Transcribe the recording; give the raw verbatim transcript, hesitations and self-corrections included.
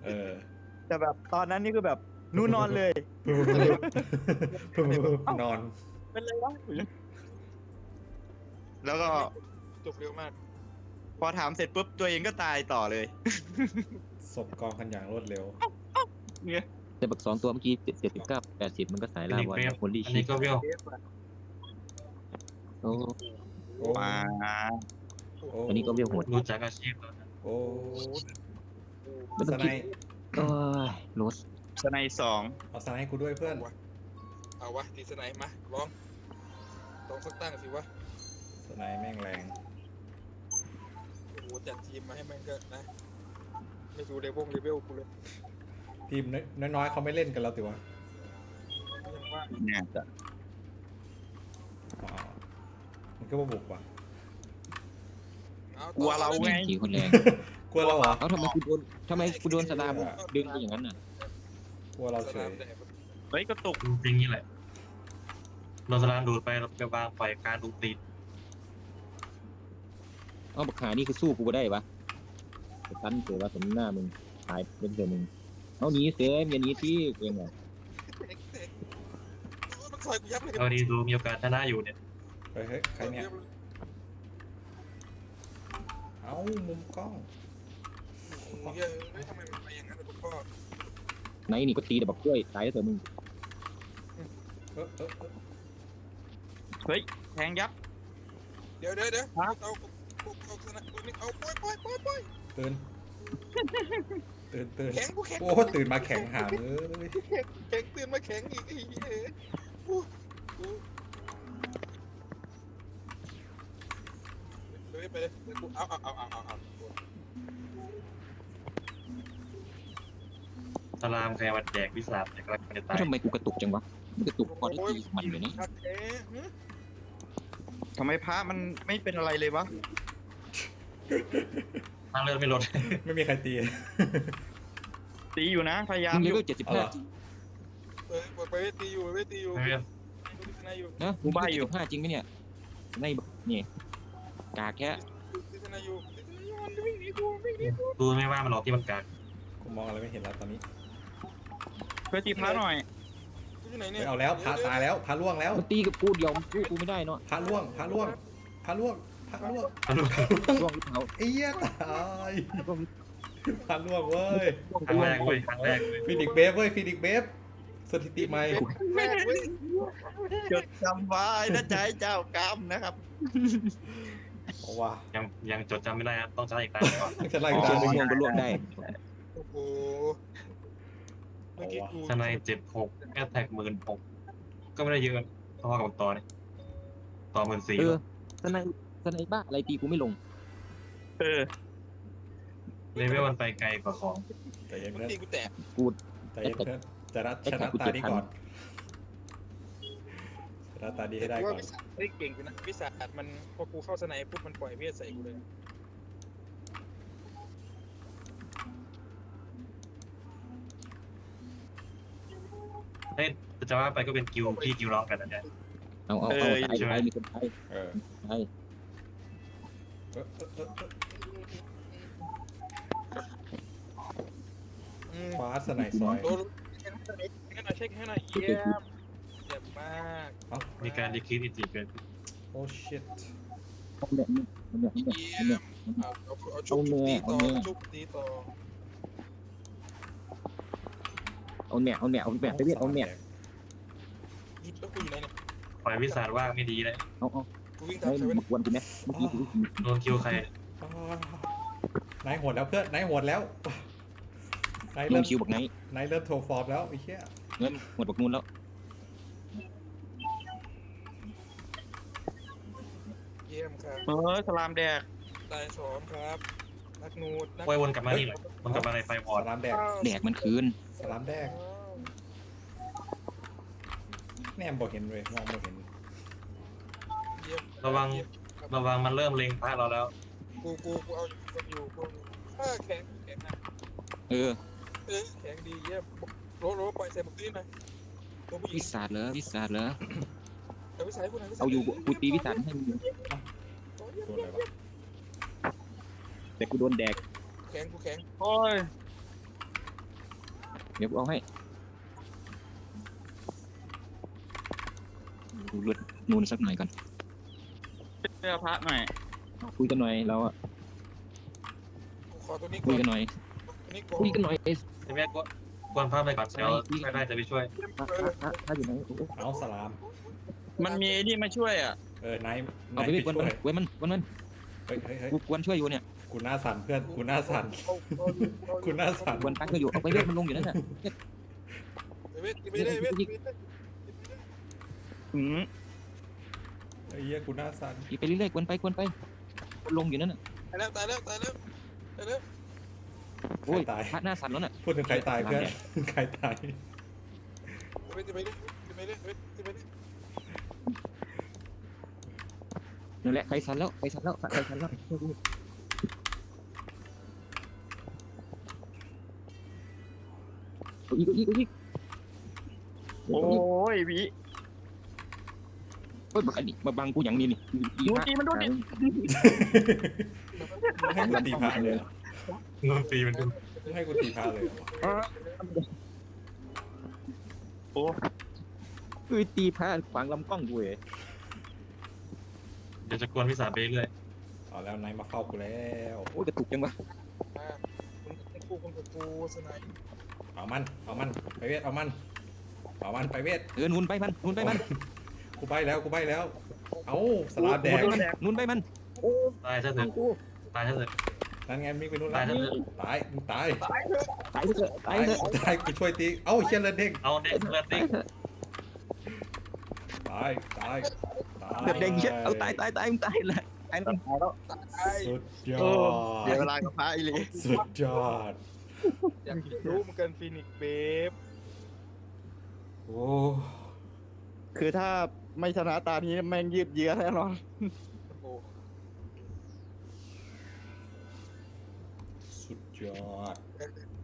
เออแต่แบบตอนนั้นนี่คือแบบนู่นนอนเลยนอนเป็นไรวะแล้วก็จบเร็วมากพอถามเสร็จปุ๊บตัวเองก็ตายต่อเลยศพกองกันอย่างรวดเร็วเนี่ยแต่บักสองตัวเมื่อกี้เจ็ดสิบเก้าแปดสิบมันก็สายอันล่านี้วันเวฟคนดีอันชินี้ก็เวลโอ้โอ้มาโอ้อันนี้ก็เวลโหดรู้จักอาชีพแล้วนะโอ้ไม่สต้องไนคิดป์โอ้ยรถสไนสองเอาสไนป์ให้กูด้วยเพื่อนเอาวะตีสไนมาลองลองสักตั้งสิวะสไนป์แม่งแรงโอ้โหจัดทีมมาให้มันก็นะไม่ดูเลเวลเลเวลกูเลยทีมน้อยๆเขาไม่เล่นกันแล้วติวะยังว่าเนี่ยจะอ๋อมันก็มาบุกว่ะเอากลัวเราไงขี่คนแรงกลัวเราเหรอเอ้าทำไมกูโดนทำไมกูโดนสลามดึงไปอย่างนั้นน่ะกลัวเราสเฉนาย มแดดเฮ้ยกระตุกจริงๆนี่แหละเราสลามดูดไปเราไปวางปล่อยการดูดติดเอ้าบักหานี่คือสู้กูก็ได้ปะแต่ตันเสือว่าสมหน้ามึงตายเป็นเสือมึงเอาหนีเสืออย่าหนีที่เองอ่ะมันซอยกูยับเลยเราดีดูมีโอกาสชนะอยู่เนี่ยเฮ้ยเฮ้ยใครเนี่ย เอ้ามุมกล้องเฮ้ยทำไมมันไปอย่างนั้นคุณพ่อไหนนี่ก็ตีแต่บักกล้วยตายแล้วเสือมึงเออเออเออเฮ้ยแทงยับเดี๋ยวเดี๋ยวเดี๋ยวเอาเอาเอาสนามเอาปล่อยปล่อยปล่อยปล่อยตื่นตื่นตื่นแข็งกูแข็งโอ้ตื่นมาแข็งหามเอ้ยแข็งตื่นมาแข็งอีกไอ้เหี้ยเลยไปเลยกูเอาเอาเอาเอาเอาเอาสลามใครมาแจกวิสาแต่กำลังจะตายทำไมกูกระตุกจังวะกระตุกพอได้ตีมันเลยนี่ทำไมพระมันไม่เป็นอะไรเลยวะทางเลือดไม่ลดไม่มีใครตีตีอยู่นะพยายามมึงอเลยู่เวลเจ็ดสิบเอาเหห้ารอเออไปตีอยู่ไปตีอยู่ไม่เป็นตีนายอยู่นะมึงเลเวลเจ็ดสิบห้าจริงไหมเนี่ยในนี่กากแค่ตีนายอยู่ตีนายอยู่มันวิ่งหนีกูวิ่งหนีกูดูไม่ว่ามันหรอกที่มันกากกูมองอะไรไม่เห็นแล้วตอนนี้เพื่อตีพระหน่อยอยู่ไหนเฮ้เนี่ยยเอาแล้วพระตายแล้วพระล่วงแล้วมันตีกับกูเดียวมันสู้กูไม่ได้เนาะพระล่วงพระล่วงพระล่วงพระล่วงร่วงหรือเปล่าไอ้เหี้ยตายร่วงพระล่วงเว้ยครั้งแรกเว้ยครั้งแรกเลยฟินิกเบฟเว้ยฟินิกเบฟสถิติใหม่แม่เว้ยจดจำไว้นะใจเจ้ากรรมนะครับเอาว่ะยังยังจดจำไม่ได้ครับต้องใช้อีกตาก่อนจะไล่ไอ้ตาเชียมงม่วงก็ร่วงได้โอ้โหเมื่อกี้กูชนายเจ็ดหกแอตแทกหมื่นหกก็ไม่ได้เยอะพอกับต่อนี่ต่อหมื่นสี่เออสไนสไนบ้าอะไรตีกูไม่ลงเออเลเวลมันไปไกลกว่าของใจเย็นมันเพื่อนตีกูแตกใจเย็นเพื่อนจะรัดชนะตาดีก่อนชนะตาดีให้ได้กูก่อว่าน วิสาเฮ้ยเก่งกูนะวิสามันพอกูเข้าสนามปุ๊บมันปล่อยเวทใส่กูเลยเฮ้ยจะว่าไปก็เป็นกิวพี่กิวร้องกันนะเนี่ยเอาเอาเอาตายตายมีคนตายเออตายเออเออเออเออฟ้าสไนซอยโดนเช็คให้หน่อยเช็คให้หน่อยเยี่ยมเยี่ยมมากเอ้ามีการดีคิดอิจิเกินโอ้ชิตเอาเนี่ยเอาเนี่ยเอาเนี่ยเยี่เอายเนี่ยมเอาเอาเอาชุบตีต่อชุบตีต่อเอาเนี่ยเอาเนี่ยเอาเนี่ยไปเรียกเอาเนี่ยยิบแล้วกูอยู่ไหนเนี่ยปล่อยวิสาว่างไม่ดีเลยเอาเอากูวิ่งไอ้ตามใครวะมากวนกูไหมเมื่อกี้กูโดนคิวใครอ้าวนายโหดแล้วเพื่อนนายโหดแล้วนายลเริ่งมคิวบอกไงนายเริ่มโทรฟอร์มแล้วไอ้เหี้ยเงินหมดบอกนู่นแล้วเยี่ยมครับเออสลามแดกตายสองครับนักนูดนักโอ้ยวนกลับมานี่หน่อยวนกลับมาในไฟวอสร์ดลามแดกแดกมันคืนสลามแดกแนมบอกเห็นเลยมองไม่เห็นเยี่ยมระวังระวังมันเริ่มเล็งพระเราแล้วกูกูกูเอาอยู่กูอยู่กูถ้าแข็งแข็งนะเออเออแข็งดีเยี่ยมโรโรปล่อยใส่บุกตีหน่อยตัวผู้หญิวิงสาดเหรอวิสาดเหรอแต่วิสัยกูหน่อยวิสัเอาอยู่กูตีวิสาดให้มึงโดนอะไรวะแต่กูโดนแดกแข็งกูแข็งโอ้ยเดี๋ยวกูเอาให้ดูเลือดนูนสักหน่อยก่อนเสื้อพระหน่อยคุยกันหน่อยเราอะขอตัวนี้คุก่ยอนกันหน่อยตัวนี้ก่อนคุยกันหน่อยเอสใช่ไหมก็ควรพาไปก่อนเดี๋ยวไม่ได้จะไปช่วยพระพระพระพระอยู่ไหนโอ้โหเอาสลามมันมีไอ้นี่มาช่วยอ่ะเออไนท์ไนเอาท์ไปไปเว้ยวันช่วยเว้ยมันวันมันเฮ้ยเฮ้ยเฮ้ยกูควรช่วยอยู่เนี่ยกูหน้าสั่นเพื่อนกูหน้าสั่นกูหน้าสั่นควรตั้งก็อยู่เอาไปเว้ยมันลงอยู่นั่นน่ะเวทไปเลยเวทอืมไอ้เหี้ยกูหน้าสั่นอีกไปเรื่อยๆควรไปควรไปมันลงอยู่นั่นน่ะตายแล้วตายแล้วตายแล้วตายแล้วใคโอ้รยตายพระหน้าสั่นแล้วน่ะพูดถึงใครตายเพื่อนใครตายเวทไปเลยไปเลยเวทไปเลยนั่นแหละใครสั่นแล้วใครสั่นแล้วใครสั่นแล้วเอาอีกเอาอีกเอาอีกโอ้ยพี่เฮ้ยบักอันนี้มาบังกูอย่างนี้นี่อีดูพระดีมันดูดิให้กูตีพระเลยเหรอโดนตีมันดูให้กูตีพระเลยเหรอวะโอ้เฮ้ยตีพระขวางลำกล้องกูเว้ยเดี๋ยวจะกวนพี่สามไปเรื่อยเอาแล้วไนท์มาเฝ้ากูแล้วโอ้ยกระตุกจังวะคุณกูคุณกูสไนป์เอามันเอามันไปเวทเอามันเอามันไปเวทเออนุนไปมันนุนไปมันกูใบแล้วกูใบแล้ว เอาสลามแดงนุนไปมันนุนไปมันตายซะเถอะตายซะเถอะนั่นไงมิกไปนู่นตายแล้วซะเถอะตายมึงตายตายเถอะตายเถอะตายเถอะตายกูช่วยตีเอ้าเชียนเลือดเด้งเอาเด็กเลือดเด็กตายตายตายเดือดแดงเยอะเอาตายตายตายมึงตายเลยตายแล้วตายสุดยอเดี๋ยวดเวลากับพระอีหลีสุดยอดอยากรู้เหมือนกันฟินิกเบฟโอ้คือถ้าไม่ชนะตานี้แม่งยืดเยื้อแน่นอนโอ้สุดยอด